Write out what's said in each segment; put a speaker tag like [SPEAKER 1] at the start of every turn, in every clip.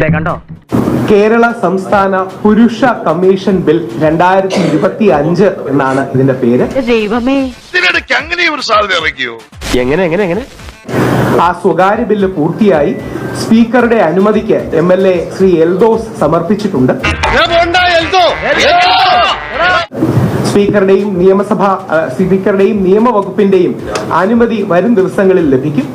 [SPEAKER 1] കണ്ടോ?
[SPEAKER 2] കേരള സംസ്ഥാന പുരുഷ കമ്മീഷൻ ബിൽ 2025 എന്നാണ് ഇതിന്റെ പേര്.
[SPEAKER 1] ദൈവമേ,
[SPEAKER 3] അങ്ങനെ ഒരു സാധ്യത ഇറക്കിയോ?
[SPEAKER 1] എങ്ങനെ
[SPEAKER 2] ആ സ്വകാര്യ ബില്ല് പൂർത്തിയായി സ്പീക്കറുടെ അനുമതിക്ക് MLA ശ്രീ എൽദോസ് സമർപ്പിച്ചിട്ടുണ്ട്. സ്പീക്കറുടെയും സ്പീക്കറുടെയും നിയമവകുപ്പിന്റെയും അനുമതി വരും ദിവസങ്ങളിൽ ലഭിക്കും.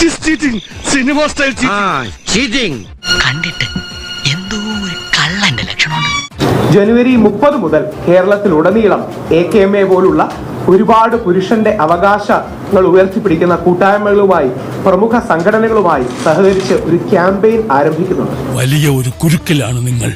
[SPEAKER 4] കണ്ടിട്ട് എന്തോ ഒരു കള്ളന്റെ ലക്ഷണമുണ്ട്.
[SPEAKER 2] ജനുവരി 30 മുതൽ കേരളത്തിലുടനീളം AKMA പോലുള്ള ഒരുപാട് പുരുഷന്റെ അവകാശങ്ങൾ ഉയർത്തിപ്പിടിക്കുന്ന കൂട്ടായ്മകളുമായി പ്രമുഖ സംഘടനകളുമായി സഹകരിച്ച് ഒരു ക്യാമ്പയിൻ ആരംഭിക്കുന്നുണ്ട്.
[SPEAKER 5] വലിയ ഒരു കുരുക്കിലാണ് നിങ്ങൾ.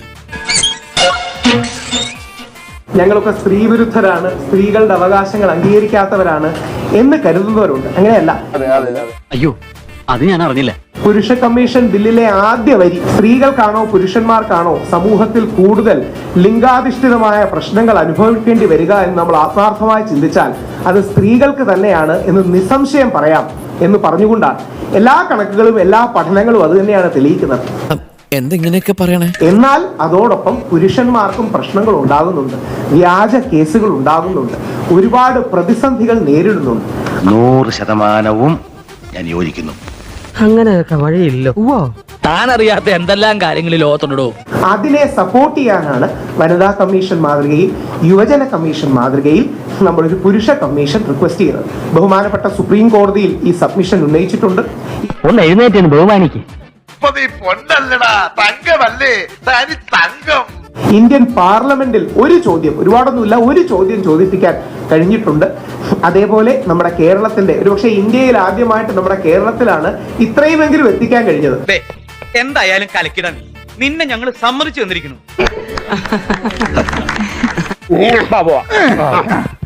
[SPEAKER 2] ഞങ്ങളൊക്കെ സ്ത്രീവിരുദ്ധരാണ്, സ്ത്രീകളുടെ അവകാശങ്ങൾ അംഗീകരിക്കാത്തവരാണ് എന്ന് കരുതുന്നവരുണ്ട്. അങ്ങനെയല്ല.
[SPEAKER 1] അയ്യോ, അത് ഞാൻ അറിഞ്ഞില്ല.
[SPEAKER 2] പുരുഷ കമ്മീഷൻ ബില്ലിലെ ആദ്യ വരി സ്ത്രീകൾക്കാണോ പുരുഷന്മാർക്കാണോ സമൂഹത്തിൽ കൂടുതൽ ലിംഗാധിഷ്ഠിതമായ പ്രശ്നങ്ങൾ അനുഭവിക്കേണ്ടി വരിക എന്ന് നമ്മൾ ആത്മാർത്ഥമായി ചിന്തിച്ചാൽ അത് സ്ത്രീകൾക്ക് തന്നെയാണ് എന്ന് നിസ്സംശയം പറയാം എന്ന് പറഞ്ഞുകൊണ്ടാണ് എല്ലാ കണക്കുകളും എല്ലാ പഠനങ്ങളും അത് തന്നെയാണ് തെളിയിക്കുന്നത്.
[SPEAKER 6] എന്തെങ്ങനെയൊക്കെ പറയണേ.
[SPEAKER 2] എന്നാൽ അതോടൊപ്പം പുരുഷന്മാർക്കും പ്രശ്നങ്ങൾ ഉണ്ടാകുന്നുണ്ട്, വ്യാജ കേസുകൾ ഉണ്ടാകുന്നുണ്ട്, ഒരുപാട് പ്രതിസന്ധികൾ നേരിടുന്നുണ്ട്.
[SPEAKER 3] 100% ഞാൻ യോജിക്കുന്നു.
[SPEAKER 1] അങ്ങനെയൊക്കെ വഴിയില്ലോ.
[SPEAKER 6] താൻ അറിയാത്ത എന്തെല്ലാം കാര്യങ്ങളിൽ ലോകത്തുണ്ടോ.
[SPEAKER 2] അതിനെ സപ്പോർട്ട് ചെയ്യാനാണ് വനിതാ കമ്മീഷൻ മാതൃകയിൽ, യുവജന കമ്മീഷൻ മാതൃകയിൽ നമ്മളൊരു പുരുഷ കമ്മീഷൻ റിക്വസ്റ്റ് ചെയ്യുന്നത്. ബഹുമാനപ്പെട്ട സുപ്രീം കോടതിയിൽ ഈ സബ്മിഷൻ ഉന്നയിച്ചിട്ടുണ്ട്.
[SPEAKER 1] ഒന്ന് എഴുന്നേറ്റ് ബഹുമാനിക്ക്.
[SPEAKER 3] പൊന്നല്ലടാ, തങ്കമല്ലേ, തനി തങ്കം.
[SPEAKER 2] ഇന്ത്യൻ പാർലമെന്റിൽ ഒരു ചോദ്യം, ഒരുപാടൊന്നുമില്ല, ഒരു ചോദ്യം ചോദിപ്പിക്കാൻ കഴിഞ്ഞിട്ടുണ്ട്. അതേപോലെ നമ്മുടെ കേരളത്തിന്റെ, ഒരുപക്ഷെ ഇന്ത്യയിൽ ആദ്യമായിട്ട് നമ്മുടെ കേരളത്തിലാണ് ഇത്രയുമെങ്കിലും എത്തിക്കാൻ കഴിഞ്ഞത്.
[SPEAKER 7] എന്തായാലും കലക്കിടാൻ നിന്നെ ഞങ്ങൾ സമ്മതിച്ചു തന്നിരിക്കുന്നു.